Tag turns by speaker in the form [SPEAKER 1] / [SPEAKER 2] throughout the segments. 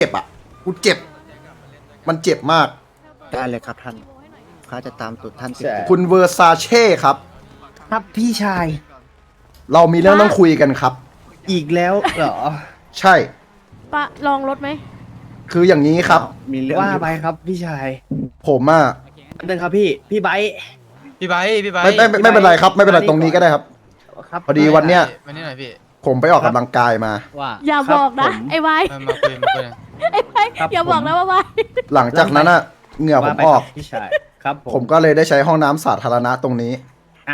[SPEAKER 1] เจ็บอ่ะกูเจ็บมันเจ็บมาก
[SPEAKER 2] ได้เลยครับท่านข้าจะตามตุดท่านติด
[SPEAKER 1] คุณเวอร์ซาเช่ครับ
[SPEAKER 2] ครับพี่ชาย
[SPEAKER 1] เรามีเรื่องต้องคุยกันครับ
[SPEAKER 2] อีกแล้วเหรอ
[SPEAKER 1] ใช่
[SPEAKER 3] ปะลองรถไหม
[SPEAKER 1] คืออย่างนี้ครับ
[SPEAKER 2] มีเรื่องว่าไปครับพี่ชาย
[SPEAKER 1] ผมอ่ะ
[SPEAKER 2] เดินครับพี่ไบร์ท
[SPEAKER 4] พี่ไบร์ทพี่ไบร์ท
[SPEAKER 1] ไม่เป็นไรครับ ไม่เป็นไรตรงนี้ก็ได้ครับ
[SPEAKER 2] ครับ
[SPEAKER 1] พอดีวันเนี้ย
[SPEAKER 4] มานี่หน่อยพี่
[SPEAKER 1] ผมไปออกกำลังกายมา
[SPEAKER 2] ว่า
[SPEAKER 3] อย่าบอกนะ
[SPEAKER 2] ครับผม
[SPEAKER 3] ไอ้ไว้
[SPEAKER 4] มาคุยมาคุยหน่อย
[SPEAKER 3] ไอ้ไว้
[SPEAKER 2] ครับ
[SPEAKER 3] อย่าบอกนะว่าไว้
[SPEAKER 1] หลังจากนั้นอ่ะเหงื่อผม
[SPEAKER 2] ว่าไป
[SPEAKER 1] อ
[SPEAKER 2] ค
[SPEAKER 1] อ
[SPEAKER 2] รั
[SPEAKER 1] ก
[SPEAKER 2] บพี่ชายครับ
[SPEAKER 1] ผมก็เลยได้ใช้ห้องน้ำสาธารณะตรงนี้
[SPEAKER 2] อ่า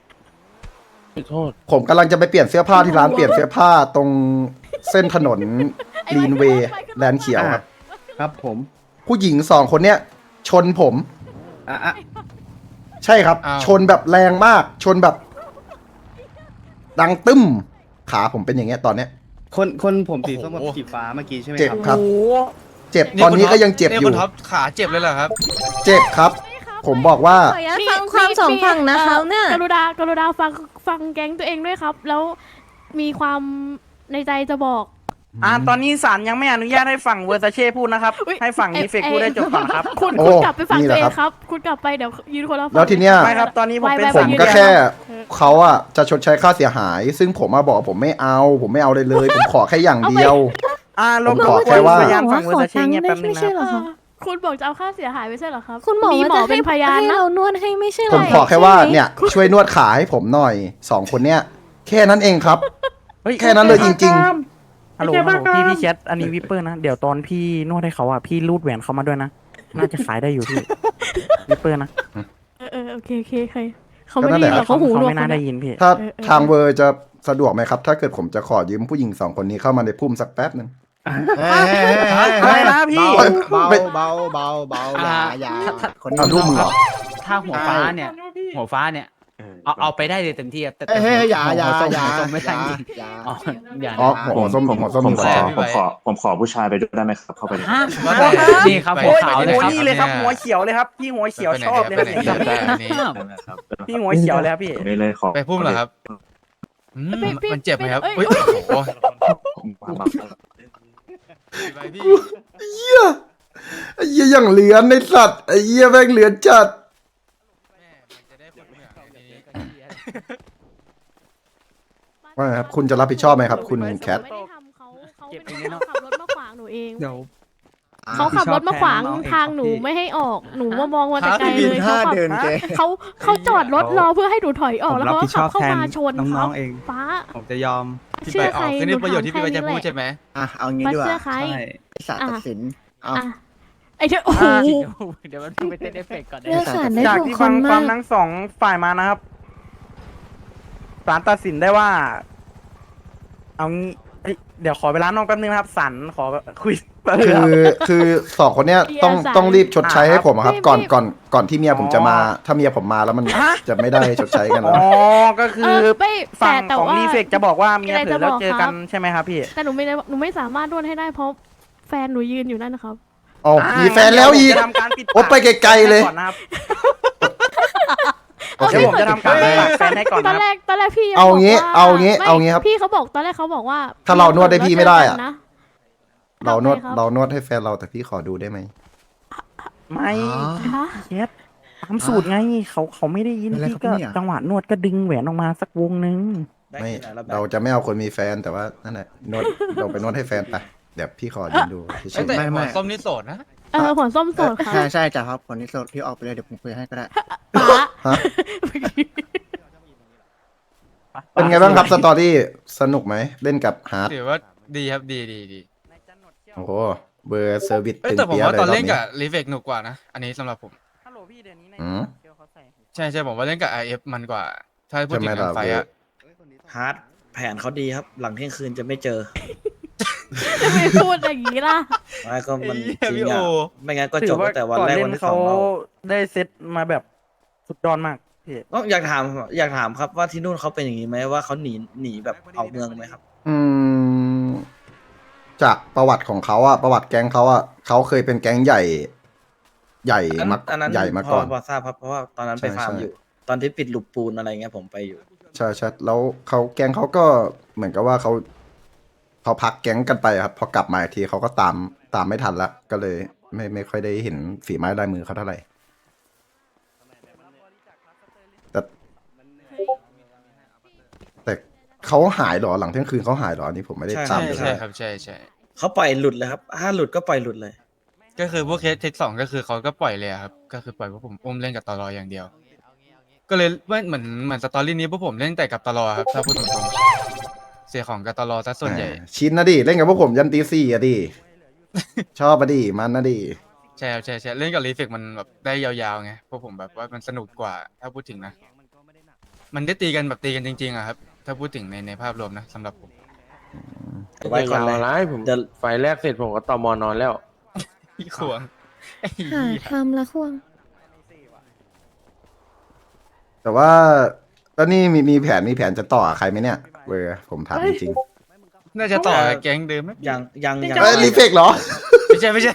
[SPEAKER 1] ผมกำลังจะไปเปลี่ยนเสื้อผ้าที่ร้านเปลี่ยนเสื้อผ้าตรงเส้นถนนลีนเวย์แลนด์เขียวครับ
[SPEAKER 2] ครับผม
[SPEAKER 1] ผู้หญิงสองคนเนี้ยชนผม
[SPEAKER 2] อ่ะ
[SPEAKER 1] ใช่ครับ ชนแบบแรงมาก ชนแบบ ดังตึ้ม ขาผมเป็นอย่างเงี้ยตอนเนี้ย
[SPEAKER 2] คนผมสีส้มกับสีฟ้าเมื่อกี้ใช่ไหม
[SPEAKER 1] เจ็บ
[SPEAKER 2] ครับ
[SPEAKER 1] ครับ เจ็บตอนนี้ก็ยังเจ็บอยู่
[SPEAKER 4] คุณท็อปขาเจ็บเลยเหรอครับ
[SPEAKER 1] เจ็บครับ ผมบอกว่า
[SPEAKER 5] ขออนุญาตฟังความสองฝั่งนะคะเนี่ย
[SPEAKER 3] กรุณาฟังแก๊งตัวเองด้วยครับ แล้วมีความในใจจะบอก
[SPEAKER 6] ตอนนี้ศาลยังไม่อนุญาตให้ฝั่งเวอร์ซาเช่พูดนะครับ
[SPEAKER 3] อุ๊ย
[SPEAKER 6] ให้ฝั่งนี้เฟกพูดได้จบก่อนครับ
[SPEAKER 3] คุณ
[SPEAKER 1] โอ้
[SPEAKER 3] กลับไปฟัง
[SPEAKER 1] นี่แห
[SPEAKER 3] ตั
[SPEAKER 1] ละ
[SPEAKER 3] วเอ
[SPEAKER 1] ครั
[SPEAKER 3] ง
[SPEAKER 1] บ
[SPEAKER 3] ครับ คุณกลับไปเดี๋ยวยืนคนละฝั่ง
[SPEAKER 1] แล้วทีเนี้ย
[SPEAKER 6] ไม่ครับตอนนี้ผมเป็น
[SPEAKER 3] ไว้
[SPEAKER 1] ผม
[SPEAKER 6] ฝั่ง
[SPEAKER 1] ก็
[SPEAKER 6] เดียว
[SPEAKER 1] แค่เขาอะจะชดใช้ค่าเสียหาย ซึ่งผมมาบอกว่าผมไม่เอา ผมไม่เอาเลยเลย ผมขอแค่อย่างเดียว
[SPEAKER 6] รบ
[SPEAKER 1] ผม
[SPEAKER 6] ก
[SPEAKER 1] ขอ
[SPEAKER 6] วน
[SPEAKER 1] แค่ว่า
[SPEAKER 6] พยานฝั่งเวอร์ซาเช่เงียบแป๊บนึง
[SPEAKER 5] ไม่
[SPEAKER 6] นะ
[SPEAKER 5] ใช่
[SPEAKER 6] ครับ
[SPEAKER 5] เหรอคะ
[SPEAKER 3] คุณบอกจะเอาค่าเสียหายไม่ใช่เหรอครับ
[SPEAKER 5] คุณหมอ
[SPEAKER 3] มี
[SPEAKER 5] ว่า
[SPEAKER 3] หมอ
[SPEAKER 5] จะ
[SPEAKER 3] เป็นพยาน
[SPEAKER 5] ให้
[SPEAKER 3] นะ
[SPEAKER 5] เรานวดให้ไม่ใช่เหร
[SPEAKER 1] ผมขอแค่ว่าเนี่ย ช่วยนวดขาให้ผมหน่อยสองคนเนี้ยแค่นั้นเองครับ แค่นั้นเลยจริง
[SPEAKER 6] ฮัลโหลพี่แชทอันนี้วิปเปอร์นะ เดี๋ยวตอนพี่นวดให้เขาอ่ะพี่รูดแหวนเขามาด้วยนะ น่าจะขายได้อยู่พี่ วิปเปอร์นะ
[SPEAKER 3] โอเคเขาไม่ได้ยินหรอกเขาหูหนวก
[SPEAKER 6] ไม่น่าได้ยินพี่
[SPEAKER 1] ถ้าทางเวอร์จะสะดวกไหมครับ ถ้าเกิดผมจะขอยืมผู้หญิงสองคนนี้เข้ามาในพุ่มสักแป๊บหนึ่ง
[SPEAKER 6] อะไรนะพี่
[SPEAKER 2] เบา
[SPEAKER 1] ไม่
[SPEAKER 2] เบาเบาเบาอย่าคน
[SPEAKER 1] เอาลูกมือเหรอ
[SPEAKER 7] ถ้าหัวฟ้าเนี่ย หัวฟ้าเนี่ย เอาไปได้เลยเต็มที่ครับแต่
[SPEAKER 2] เฮ้ยอย่า
[SPEAKER 7] หัวส้ม
[SPEAKER 2] อย่า
[SPEAKER 7] หัวส้มไม่ได้จริง
[SPEAKER 2] อย่า
[SPEAKER 7] อ๋ออย่า
[SPEAKER 1] อ๋อ
[SPEAKER 7] นะ
[SPEAKER 1] หัวส้มหัวส้ม
[SPEAKER 8] ผม
[SPEAKER 1] หัว
[SPEAKER 8] ขอ
[SPEAKER 1] ส้ม
[SPEAKER 8] ผมขอผู้ชายไปด้วยได้ไหมครับ เข้าไปเลย
[SPEAKER 7] ฮะ
[SPEAKER 4] ว่าแต่
[SPEAKER 7] นี่ครับ
[SPEAKER 4] ไป
[SPEAKER 7] หัวขาว
[SPEAKER 6] โอ้
[SPEAKER 7] เลยครับ
[SPEAKER 6] นี่เลยครับหัวเขียวเลยครับ พี่หัวเขียวชอบเลยครับ
[SPEAKER 4] ไปไหนไปไหนอันนี้
[SPEAKER 8] ครับ
[SPEAKER 6] พี่หัวเขียวเลยครับพี่
[SPEAKER 8] ตรงนี้เลยขอ
[SPEAKER 4] ไปพุ่มเหรอครับอืมมันเจ็บไหมครับ
[SPEAKER 3] เอ้ย
[SPEAKER 4] อุ้ยโอ้โห
[SPEAKER 8] มา
[SPEAKER 4] ไปพี่
[SPEAKER 1] เหี้ยไอ้เหี้ยอย่างเหลือนในสัตว์ไอ้เหี้ยแม่งเหลือนจัด
[SPEAKER 4] แม่มันจะได้ผลเหมือนในนี้
[SPEAKER 1] ว่าไงครับคุณจะรับผิดชอบไหมครับ คุณแคท
[SPEAKER 3] ไม่ได้ทำเขาเป็น
[SPEAKER 7] เก็บอย่างนี้
[SPEAKER 3] คน
[SPEAKER 7] เนอะ
[SPEAKER 3] ขับรถมาขวางหนูเอง
[SPEAKER 7] เดี๋ยว
[SPEAKER 3] เขาขับรถมาขวางทางหนูไม่ให้ออกหนูว่ามองมาแต่ไกลเลยเขาขับ
[SPEAKER 2] เดินแก
[SPEAKER 3] เขาจอดรถรอเพื่อให้หนูถอยออกแล้วเขาก็ขับเข้ามาชนครับฟ้า
[SPEAKER 7] ผมจะยอม
[SPEAKER 4] พี่
[SPEAKER 3] เชื่
[SPEAKER 4] ไป
[SPEAKER 3] อ
[SPEAKER 4] อ
[SPEAKER 3] ใคร
[SPEAKER 4] อกคือ
[SPEAKER 3] ห
[SPEAKER 4] นี่
[SPEAKER 3] นู
[SPEAKER 4] ประโยช
[SPEAKER 3] ถาม
[SPEAKER 4] น์ที่พี่ไป
[SPEAKER 3] แค่
[SPEAKER 4] จะ
[SPEAKER 3] นี้
[SPEAKER 4] พู
[SPEAKER 3] แห
[SPEAKER 4] ด
[SPEAKER 3] ละ
[SPEAKER 4] ใช่ไหม
[SPEAKER 2] เอางี้
[SPEAKER 3] มา
[SPEAKER 2] ดีกว่า
[SPEAKER 3] เชื่อใคร
[SPEAKER 2] ศาลตัดสินเอา
[SPEAKER 3] อ่ะไอ้เธอโอ้โห
[SPEAKER 7] เดี๋ยวมันไปเต้นเอฟเฟกต์ก่อน
[SPEAKER 5] เลือกสารได้
[SPEAKER 6] จาก
[SPEAKER 5] ถูก
[SPEAKER 6] ที่
[SPEAKER 5] ค
[SPEAKER 6] ฟั
[SPEAKER 5] น
[SPEAKER 6] งค
[SPEAKER 5] าว
[SPEAKER 6] มาก มทั้งสองฝ่ายมานะครับศาลตัดสินได้ว่า เอางี้เอ้ยเดี๋ยวขอเวลานอกแป๊บนึงนะครับศาลขอคุยแป๊บนึง
[SPEAKER 1] คื
[SPEAKER 6] ครับ
[SPEAKER 1] คือสองคนเนี้ยต้องรีบชดใช้ให้ผมอะครับ ก่อนที่เมียผมจะมา ถ้าเมียผมมาแล้วมันจะไม่ได้ชดใช้กัน
[SPEAKER 6] อ๋
[SPEAKER 1] แล้
[SPEAKER 6] อ
[SPEAKER 1] ว
[SPEAKER 6] ก็คือ
[SPEAKER 3] ไม่
[SPEAKER 6] ฝั่ง
[SPEAKER 3] แต่
[SPEAKER 6] ของ
[SPEAKER 3] ว่า
[SPEAKER 6] รีเฟกจะบอกว่าเมียเผลอแล้วเจอกัน
[SPEAKER 3] มีอะไรจะบอกครับ
[SPEAKER 6] ใช่ไหมครับพี่
[SPEAKER 3] แต่หนูไม่สามารถนวดให้ได้เพราะแฟนหนูยืนอยู่นั่นนะครับ
[SPEAKER 1] อ๋อมีแฟนแล้วอีก
[SPEAKER 6] เดี๋ยผมจะทำการปิด
[SPEAKER 1] โอ้ไปไกลๆเลย
[SPEAKER 6] ก่อนนะครับเดี๋ยวผมจะทำการปิดแฟนให้ก่อน
[SPEAKER 3] ตอ
[SPEAKER 6] นะ
[SPEAKER 3] น
[SPEAKER 6] ค
[SPEAKER 3] แร
[SPEAKER 6] รับ
[SPEAKER 3] กพี่ยัง
[SPEAKER 1] เอางี้
[SPEAKER 3] บกว่
[SPEAKER 1] เอางี้
[SPEAKER 3] ไม่
[SPEAKER 1] เอางี้ครับ
[SPEAKER 3] พี่เขาบอกตอนแรกเขาบอกว่า
[SPEAKER 1] ถ้าเรานวดได้พี่ไม่ได้อะ
[SPEAKER 3] แล้วเจกันนะ
[SPEAKER 1] เรานวดให้แฟนเราแต่พี่ขอดูได้ไหม
[SPEAKER 6] ไม่
[SPEAKER 3] คะ
[SPEAKER 6] เช็ดตามสูตรไงเขาไม่ได้ยิน
[SPEAKER 2] อะไร
[SPEAKER 6] พี่
[SPEAKER 2] ครับ
[SPEAKER 6] ก็
[SPEAKER 2] เนี่ย
[SPEAKER 6] จังหวะนวดก็ดึงแหวนออกมาสักวงนึง
[SPEAKER 1] ไม่เราจะไม่เอาคนมีแฟนแต่ว่านั่นแหละนวดเราไปนวดให้แฟนไปเดี๋ยวพี่ขอยืนดูเฉย
[SPEAKER 4] แต่
[SPEAKER 2] ไม่
[SPEAKER 4] หัวส้มนี่โสดนะ
[SPEAKER 3] หัวส้มโสดค่ะ
[SPEAKER 2] ใช่จ้ะครับคนนี้โสดพี่ออกไปเลยเดี๋ยวผมคุยให้ก็ได้
[SPEAKER 3] ป๊า
[SPEAKER 1] ๆฮะเป็นไงบ้างครับสตอรี่สนุกไหมเล่นกับฮาร์ด
[SPEAKER 4] ถือว่าดีครับดี
[SPEAKER 1] โอ้โหเบอร์เซอร์วิส
[SPEAKER 4] เอ้ย
[SPEAKER 1] ตึง
[SPEAKER 4] แต่ผม
[SPEAKER 1] เปียะ
[SPEAKER 4] ว่า
[SPEAKER 1] เลย
[SPEAKER 4] ตอน
[SPEAKER 1] รอบ
[SPEAKER 4] เล่น
[SPEAKER 1] นี้
[SPEAKER 4] กับรีเฟกหนุกกว่านะ อันนี้สำหรับผม
[SPEAKER 6] ฮัลโหลพี่เดี๋ยวนี้ใน
[SPEAKER 1] อืม
[SPEAKER 6] เดี๋ยวเขาใส่
[SPEAKER 4] ใช่ผมว่าเล่นกับ IF มันกว่า ถ้าพูดถึง
[SPEAKER 1] ใช่ไหม
[SPEAKER 4] งานไฟ
[SPEAKER 1] ล่ะ
[SPEAKER 4] อะ
[SPEAKER 9] ฮาร์ดแผนเขาดีครับ หลังเที่ยงคืนจะไม่เจอ
[SPEAKER 3] จะไม่พูดอย่างนี้ล่ะ
[SPEAKER 9] ไม่ก็มัน
[SPEAKER 4] ไอ้
[SPEAKER 9] จริ
[SPEAKER 4] เหี้ยพี่
[SPEAKER 9] ง
[SPEAKER 4] โอ
[SPEAKER 9] อ่ะไม่งั้นก็
[SPEAKER 6] ถื
[SPEAKER 9] จ
[SPEAKER 6] อบ ว่า
[SPEAKER 9] ตั้งแต่วัน
[SPEAKER 6] ก่อน
[SPEAKER 9] แรก
[SPEAKER 6] เล่
[SPEAKER 9] วัน
[SPEAKER 6] น
[SPEAKER 9] ที่ส
[SPEAKER 6] เขา
[SPEAKER 9] องเรา
[SPEAKER 6] ได้เซตมาแบบสุดยอดมากพี่
[SPEAKER 9] อยากถามครับว่าที่นู่นเขาเป็นอย่างนี้ไหมว่าเขาหนีแบบออกเมืองไหมครับ
[SPEAKER 1] อืมจากประวัติของเขาอะประวัติแก๊งเขาอะเขาเคยเป็นแก๊งใหญ่
[SPEAKER 9] อันนั้น
[SPEAKER 1] ใหญ่มาก่อน
[SPEAKER 9] พอทราบครับเพราะว่าตอนนั้นไป
[SPEAKER 1] ใช่
[SPEAKER 9] ฟาร์ม
[SPEAKER 1] ใช่
[SPEAKER 9] อยู่ ตอนที่ปิดหลุมปูนอะไรเงี้ยผมไปอยู่
[SPEAKER 1] ใช่ใช่แล้วแก๊งเขาก็เหมือนกับว่าเขาพักแก๊งกันไปครับ พอกลับมาอีกทีเขาก็ตามตามไม่ทันละก็เลยไม่ค่อยได้เห็นฝีไม้ลายมือเขาเท่าไหร่แต่เขาหายเหรอหลังเที่ยงคืนเขาหายเหรออันนี้ผมไม่ได้ตามเลย
[SPEAKER 4] ใช่ครับใช่ใช่
[SPEAKER 9] เขาปล่อยหลุดเลยครับถ้าหลุดก็ปล่อยหลุดเลย
[SPEAKER 4] ก็คือพวกเคสเทคสองก็คือเขาก็ปล่อยเลยอะครับก็คือปล่อยพวกผมอุ้มเล่นกับตลออย่างเดียว ก็เลยเหมือนสตอรี่นี้พวกผมเล่นแต่กับตลอครับถ้าพูดตรงๆเสียของกับตลอซะส่วนใหญ่
[SPEAKER 1] ชินนะดิเล่นกับพวกผมยันตีสี่อะดิ ชอบอะดิมันนะดิ
[SPEAKER 4] ใช่ครับใช่ใช่เล่นกับรีเฟกมันแบบได้ยาวๆไงพวกผมแบบว่ามันสนุกกว่าถ้าพูดถึงนะ มันได้ตีกันแบบตีกันจริงๆอะครับ ถ้าพูดถึงในภาพรวมนะสำหรับผม
[SPEAKER 9] ไว้ก่อนเลย
[SPEAKER 10] อะไรผม
[SPEAKER 9] เดี๋ยว
[SPEAKER 10] ไฟแรกเสร็จผมก็ตอมอนอนแล้ว
[SPEAKER 4] พี่ควงไอ้
[SPEAKER 5] หา
[SPEAKER 4] เหี้ย
[SPEAKER 5] ทำละควง
[SPEAKER 1] แต่ว่าแล้วนี่มีแผนจะต่อกับใครไหมเนี่ยเวอร์ผมถามจริง
[SPEAKER 4] น่าจะต่อกับแก๊งเดิมไหม
[SPEAKER 9] ยัง
[SPEAKER 1] ๆเอ้ยรีเฟกเหรอ
[SPEAKER 4] ไม่ใช่ไม่ใช่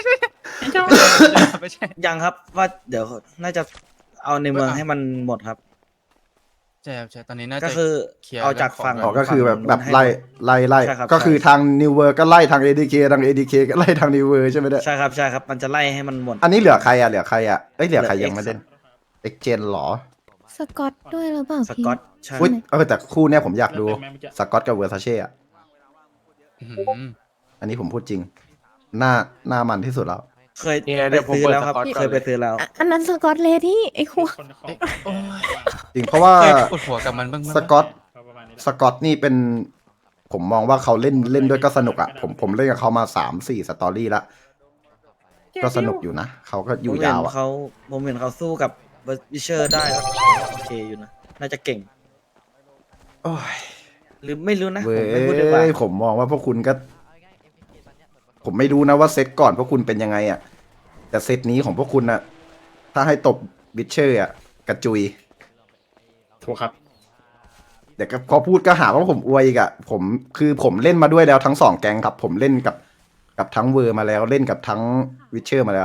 [SPEAKER 4] ไม่ใช่
[SPEAKER 9] ยังครับว่าเดี๋ยวน่าจะเอาในเมืองให้มันหมดครับ
[SPEAKER 4] ใช่ครับใช่ตอนนี้น่าจะ
[SPEAKER 9] ก็คือ
[SPEAKER 4] เคลียร์
[SPEAKER 9] เอาจากฝั่ง
[SPEAKER 1] อ๋อก็คือแบบ
[SPEAKER 9] ฝั่งนู้นให้
[SPEAKER 1] ไล่
[SPEAKER 9] หมด
[SPEAKER 1] ไล่
[SPEAKER 9] ใช่ครับ
[SPEAKER 1] ก็คือ
[SPEAKER 9] ใช่
[SPEAKER 1] ทางนิวเวอร์ก็ไล่ทาง ADK ทาง ADK ก็ไล่ทางนิวเวอร์ใช่ไหมเนี่ย
[SPEAKER 9] ใช่ครับใช่ครับ มันจะไล่ให้มันหมด
[SPEAKER 1] อันนี้เหลือใครอ่ะเหลือใครอ่ะเอ้ยเหลือใคร
[SPEAKER 9] เหลือ
[SPEAKER 1] ยังไม่เล่นเอ็กเจนหรอ
[SPEAKER 5] สกอตด้วยหรือเปล่า
[SPEAKER 9] ส
[SPEAKER 5] พี่
[SPEAKER 9] กอตใช่
[SPEAKER 1] อุ้ยแต่คู่เนี้ยผมอยากดูสกอตกับเวอร์ซาเช่อะ
[SPEAKER 4] อื้อหือ
[SPEAKER 1] อันนี้ผมพูดจริงหน้ามันที่สุดแล้ว
[SPEAKER 9] เคย
[SPEAKER 10] เนี่ย
[SPEAKER 9] ไป
[SPEAKER 10] เดี๋ยวผม
[SPEAKER 9] ซื้อ
[SPEAKER 10] เปิด
[SPEAKER 9] แล้วครับ
[SPEAKER 10] สกอตก่อน
[SPEAKER 9] เคยไปซื้อแล้ว
[SPEAKER 5] อันนั้นสกอตเลดี้ไอ้ควง
[SPEAKER 4] โอ้ย
[SPEAKER 1] จริงเพราะว่า
[SPEAKER 4] เคยปวดหัวกับมันบ้างไหม
[SPEAKER 1] สกอตนี่เป็น ผมมองว่าเขาเล่นด้วยก็สนุกอ่ะผมเล่นกับเขามา3-4 สตอรี่ละก็สนุกอยู่นะเขาก็อยู่ยาวอ่ะ
[SPEAKER 9] ผมเห็นเขาสู้กับวิเชอร์ได้ครับโอเคอยู่นะ น่าจะเก่ง
[SPEAKER 1] โอ้ย
[SPEAKER 9] หรือไม่รู้นะ
[SPEAKER 1] เว้
[SPEAKER 9] ผมไม่พูดดีกว่า
[SPEAKER 1] ยผมมองว่าพวกคุณก็ ผมไม่รู้นะว่าเซตก่อนพวกคุณเป็นยังไงอ่ะ แต่เซตนี้ของพวกคุณน่ะ ถ้าให้ตบวิเชอร์อ่ะกระจุย
[SPEAKER 10] ถูกครับ
[SPEAKER 1] เดี๋ยวก็พอพูดก็หาว่าผมอวยอีกอ่ะผมเล่นมาด้วยแล้วทั้ง2 แก๊งครับ ผมเล่นกับทั้งเวอร์มาแล้วเล่นกับทั้งวิเชอร์มาแล้ว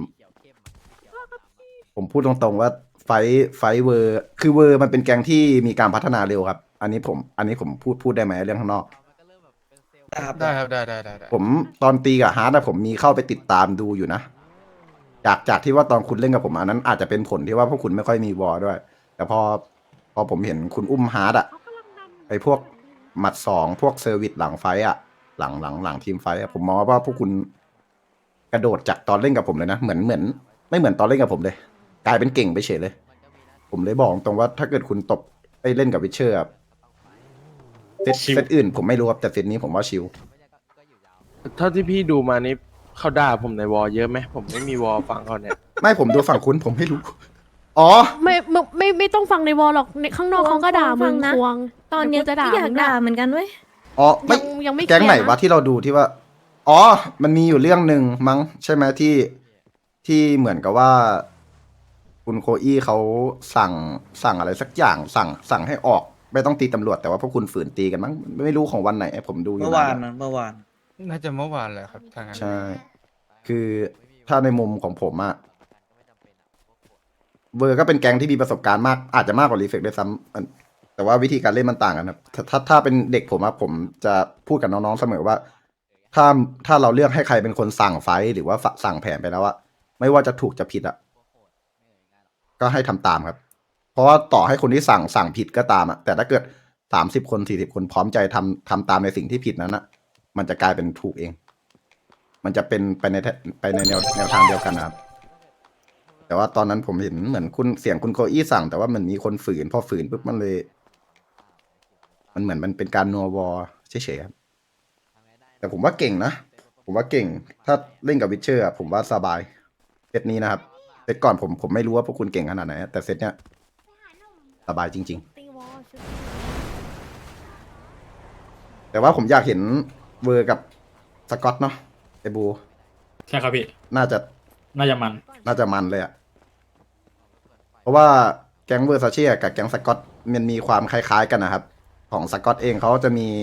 [SPEAKER 1] ผมพูดตรงๆว่าไฟเวอร์คือเวอร์มันเป็นแก๊งที่มีการพัฒนาเร็วครับ อันนี้ผมพูดได้ไหมเรื่องข้างนอก
[SPEAKER 4] ได้ครับได้
[SPEAKER 1] ผมตอนตีกับฮาร์ดผมมีเข้าไปติดตามดูอยู่นะ จากที่ว่าตอนคุณเล่นกับผมอันนั้นอาจจะเป็นผลที่ว่าพวกคุณไม่ค่อยมีวอลด้วย แต่พอผมเห็นคุณอุ้มฮาร์ดอะไอพวกหมัด2พวกเซอร์วิสหลังไฟอะหลังทีมไฟอะผมมองว่าพวกคุณกระโดดจากตอนเล่นกับผมเลยนะเหมือนไม่เหมือนตอนเล่นกับผมเลย กลายเป็นเก่งไปเฉยเลย ผมเลยบอกตรงว่าถ้าเกิดคุณตบไปเล่นกับวิเชอร์เซตอื่นผมไม่รู้ครับแต่เซตนี้ผมว่าชิล
[SPEAKER 10] เท่าที่พี่ดูมานี่เขาด่าผมในวอลเยอะไหมผมไม่มีวอลฟังเขาเนี่ย
[SPEAKER 1] ไม่ผมดูฝั่งคุณผมไม่รู้ อ๋อ
[SPEAKER 3] ไม่ต้องฟังในวอลหรอกในข้างนอกเขาก็ด่ามึงควง
[SPEAKER 5] ตอนเนี้ย
[SPEAKER 3] จะด่า
[SPEAKER 5] ก็อยาก
[SPEAKER 3] มึง
[SPEAKER 5] ด่า
[SPEAKER 3] นะ
[SPEAKER 5] เหมือนกันเว้ย
[SPEAKER 1] อ๋อไม่
[SPEAKER 3] ยังไม่
[SPEAKER 1] แก๊งไหน
[SPEAKER 3] เคลียร์นะ
[SPEAKER 1] วะที่เราดูที่ว่า อ๋อ มันมีอยู่เรื่องหนึ่งมั้งใช่ไหมที่เหมือนกับว่า คุณโคอี้เขาสั่งอะไรสักอย่างสั่งให้ออก ไม่ต้องตีตำรวจแต่ว่าพวกคุณฝืนตีกันมั้งไม่รู้ของวันไหนผมดูอยู่
[SPEAKER 9] เมื่อวาน
[SPEAKER 1] ะ
[SPEAKER 9] นะเมื่อวาน
[SPEAKER 4] น่าจะเมื่อวานแหละครับทางนั้น
[SPEAKER 1] ใช่ คือถ้าในมุมของผมอะเวอร์ก็เป็นแก๊งที่มีประสบการณ์มาก อาจจะมากกว่ารีเฟกด้วยซ้ำแต่ว่าวิธีการเล่นมันต่างกันครับถ้าเป็นเด็กผมอะผมจะพูดกับน้องๆเสมอว่า ถ้าเราเลือกให้ใครเป็นคนสั่งไฟท์หรือว่าสั่งแผนไปแล้วอะไม่ว่าจะถูกจะผิดอะก็ให้ทำตามครับ เพราะว่าต่อให้คนที่สั่งผิดก็ตามอะแต่ถ้าเกิด30 คน40 คนพร้อมใจทำตามในสิ่งที่ผิดนั้นอะมันจะกลายเป็นถูกเอง มันจะเป็นไปในแนวทางเดียวกันนะครับ แต่ว่าตอนนั้นผมเห็นเหมือนเสียงคุณโคอี้สั่ง แต่ว่ามันมีคนฝืนพอฝืนปุ๊บมันเลย มันเหมือนมันเป็นการนัววอเฉยๆครับแต่ผมว่าเก่งนะผมว่าเก่ง ถ้าเล่นกับวิเชอร์ผมว่าสบายเซตนี้นะครับเซตก่อนผมไม่รู้ว่าพวกคุณเก่งขนาดไหนแต่เซตเนี้ยสบายจริง
[SPEAKER 3] ตีวอลชุด
[SPEAKER 1] ๆ แต่ว่าผมอยากเห็นเวอร์กับสกอตเนาะไอบู
[SPEAKER 10] ใช่ครับพี่
[SPEAKER 1] น่าจะ
[SPEAKER 10] น่าจะมัน
[SPEAKER 1] มันเลยอะเพราะว่าแก๊งเวอร์ซาเช่กับแก๊งสกอตมันมีความคล้ายๆกันนะครับ ของสกอตเองเขาจะมี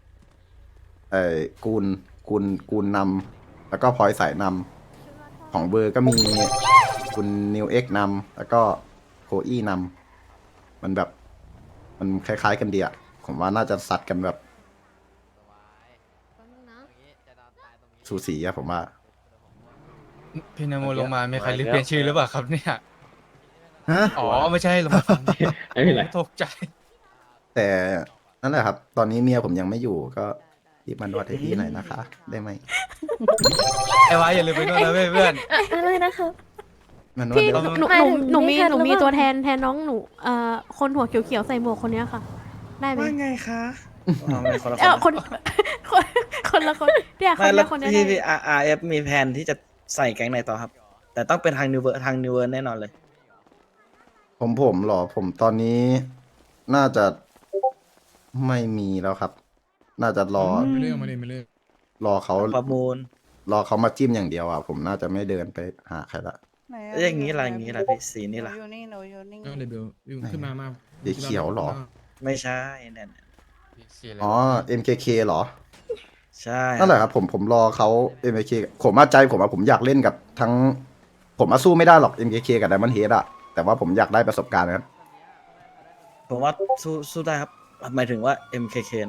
[SPEAKER 1] กูนนำแล้วก็พลอยสายนำของเวอร์ก็มีคุณนิวเอ็กนำแล้วก็โคอี้นำมันแบบมันคล้ายๆกันดีอะผมว่าน่าจะสัดกันแบบสูสีอะผมว่า
[SPEAKER 4] พี่นโมลงมามีใครลืมเปลี่ยนชื่อหรือเปล่าครับเนี่ย
[SPEAKER 1] ฮะ
[SPEAKER 4] อ๋อไม่ใช่ลงมาฟัง
[SPEAKER 10] ไม่เป็นไร
[SPEAKER 4] ตกใจ
[SPEAKER 1] แต่นั่นแหละครับ ตอนนี้เมียผมยังไม่อยู่ก็รีบมานวดให้พี่หน่อยนะคะ ได้ไหม
[SPEAKER 4] ไอ้วายอย่าลืมไปด้วยนะเว้ยเพื่อน
[SPEAKER 5] อะไรนะครับ
[SPEAKER 1] มานวด
[SPEAKER 3] พี่
[SPEAKER 1] เดี๋ยว
[SPEAKER 3] หนู
[SPEAKER 5] หมายถึง
[SPEAKER 3] หนูมี
[SPEAKER 5] ไม่ทัน
[SPEAKER 3] หนูมี
[SPEAKER 5] หรือเปล่า
[SPEAKER 3] ตัวแทนน้องหนูคนหัวเขียวๆใส่หมวกคนเนี้ยค่ะ ได้ไหม
[SPEAKER 9] ว่าไงคะอ๋อไม่คนละ
[SPEAKER 3] คนคนคนละคนเนี่ยคน
[SPEAKER 9] ไม่แล้
[SPEAKER 3] เนี้
[SPEAKER 9] วย
[SPEAKER 3] คนเนี้ย
[SPEAKER 9] พี่
[SPEAKER 3] ได้
[SPEAKER 9] พี่ RF มีแผนที่จะใส่แก๊งไหนต่อครับ แต่ต้องเป็นทางนิวเวอร์แน่นอนเลย
[SPEAKER 1] ผมเหรอ ผมตอนนี้น่าจะไม่มีแล้วครับ น่าจะรอ
[SPEAKER 11] ไม่เรื่องมาเลยไม่เรื่อง
[SPEAKER 1] รอเขา
[SPEAKER 9] ประมูล
[SPEAKER 1] รอเขามาจิ้มอย่างเดียวอ่ะ ผมน่าจะไม่เดินไปหาใครละ
[SPEAKER 9] แล้วอย่างนี้ล่ะอย่างนี้ล่ะพี่สีนี่ล่ะ
[SPEAKER 11] ก็เลยเบลขึ้นมา
[SPEAKER 1] สีเขียวเหรอ
[SPEAKER 9] ไม่ใช่เนี่ย
[SPEAKER 1] อ๋อ MKK เหรอ
[SPEAKER 9] ใช่
[SPEAKER 1] นั่นแหละครับผมรอเขา MKK ผมว่าใจผมอยากเล่นกับทั้ง ผมสู้ไม่ได้หรอก MKK กับ Diamond Head อะแต่ว่าผมอยากได้ประสบการณ์นะครับ
[SPEAKER 9] ผมว่าสู้ได้ครับ หมายถึงว่า MKK นะ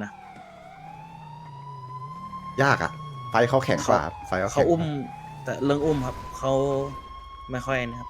[SPEAKER 1] ยากอะไฟเขาแข็งกว่าครับไฟเขา
[SPEAKER 9] เขา
[SPEAKER 1] แข็ง
[SPEAKER 9] อุ้ม แต่เรื่องอุ้มครับเขาไม่ค่อยนะครับ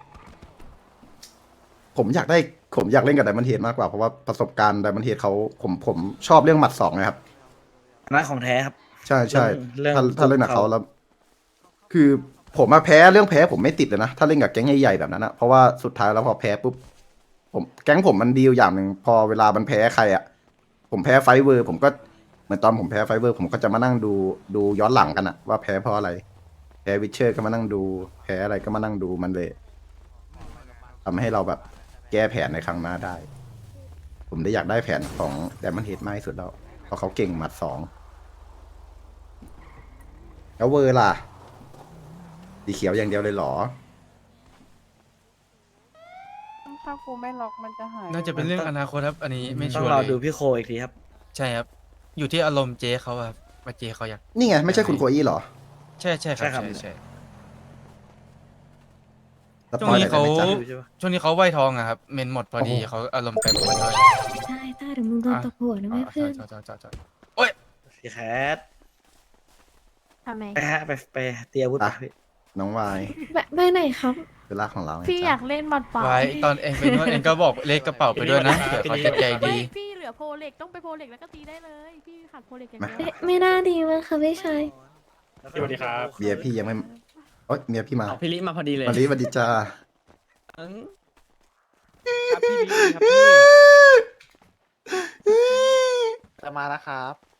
[SPEAKER 1] ผมอยากเล่นกับ Diamond Head มากกว่าเพราะว่าประสบการณ์ Diamond Head เขาผมชอบเรื่องหมัดสองนะครับ
[SPEAKER 9] อันนั้นของแท้ครับ
[SPEAKER 1] ใช่ใช่
[SPEAKER 9] เรื่อง
[SPEAKER 1] ถ้าเล่นกับเขาแล้ว คือผมมาแพ้เรื่องแพ้ผมไม่ติดเลยนะ ถ้าเล่นกับแก๊งใหญ่ๆแบบนั้นนะเพราะว่าสุดท้ายแล้วพอแพ้ปุ๊บแก๊งผมมันดีอยู่อย่างหนึ่งพอเวลามันแพ้ใครอ่ะ ผมแพ้ไฟเวอร์ ผมก็เหมือนตอนผมแพ้ไฟเวอร์ ผมก็จะมานั่งดูย้อนหลังกันอะว่าแพ้เพราะอะไร แพ้วิเชอร์ก็มานั่งดู แพ้อะไรก็มานั่งดูมันเลยทำให้เราแบบแก้แผนในครั้งหน้าได้ ผมได้อยากได้แผนของแดมอนเฮดมากที่สุดแล้วเพราะเขาเก่งหมัดสองแล้วเวอร์ล่ะสีเขียวอย่างเดียวเลยเหรอ
[SPEAKER 5] ถ้ากูไม่ล็อกมันจะหาย
[SPEAKER 4] น่าจะเป็นเรื่องอนาคตครับ อันนี้ไม่
[SPEAKER 9] ต้
[SPEAKER 4] ชั
[SPEAKER 9] อง
[SPEAKER 4] วร์
[SPEAKER 9] รอ
[SPEAKER 4] เลย
[SPEAKER 9] ดูพี่โคอีกทีครับ
[SPEAKER 4] ใช่ครับ อยู่ที่อารมณ์เจ๊เขาอะครับว่าเจ๊เขาอยาก
[SPEAKER 1] นี่ไงไม่ใช่คุณโคอี้เหรอ
[SPEAKER 4] ใช่ใช่ครับ
[SPEAKER 9] ใช่ครับ
[SPEAKER 4] ใช่ใช่
[SPEAKER 1] ส
[SPEAKER 4] ช่
[SPEAKER 1] ป
[SPEAKER 4] วง
[SPEAKER 1] อย
[SPEAKER 4] นี้
[SPEAKER 1] หน่อยได้
[SPEAKER 4] เขา
[SPEAKER 1] ไหมจ๊ะ
[SPEAKER 9] ใช่ปะ
[SPEAKER 4] ช่วงนี้เขาไหวทองอะครับ เมนหมดพอดีเขาอารมณ์แปรปรวนด้วย
[SPEAKER 5] ใช่ถ้าเดี๋ยวมึงโดนตบหัวนะเว้ยเพื่อน
[SPEAKER 4] จอด
[SPEAKER 9] พี่แคท
[SPEAKER 3] ทำไม
[SPEAKER 9] ไปฮะไปเตรียมอาวุธไปพี่
[SPEAKER 1] น้องวาย
[SPEAKER 5] ไปไหนครับ
[SPEAKER 1] คือลากของเราไง
[SPEAKER 3] พี่อ
[SPEAKER 1] จ๊ะ
[SPEAKER 3] ยากเล่นบัตรเปล่า
[SPEAKER 4] ไว้ตอนเองไปนวดเองก็บอกเลขกระเป๋าไปด้วยนะเผื่อเขาจะใจดี
[SPEAKER 3] พี่เหลือโพเล็กต้องไปโพเล็กแล้วก็ตีได้เลย พี่ขาดโพเล็กอย่างเดียว
[SPEAKER 5] เอ๊ะไม่น่าดีมั้งคะพี่ชาย
[SPEAKER 10] สวัสดีครับ
[SPEAKER 1] เมียพี่ยังไม่โอ๊ยเมียพี่มา
[SPEAKER 7] เอาพี่ลิมาพอดีเลย
[SPEAKER 1] วันนี้วันดีจ้า
[SPEAKER 7] ครับพี่ลิครับพี่
[SPEAKER 2] จะมาแล้วครับ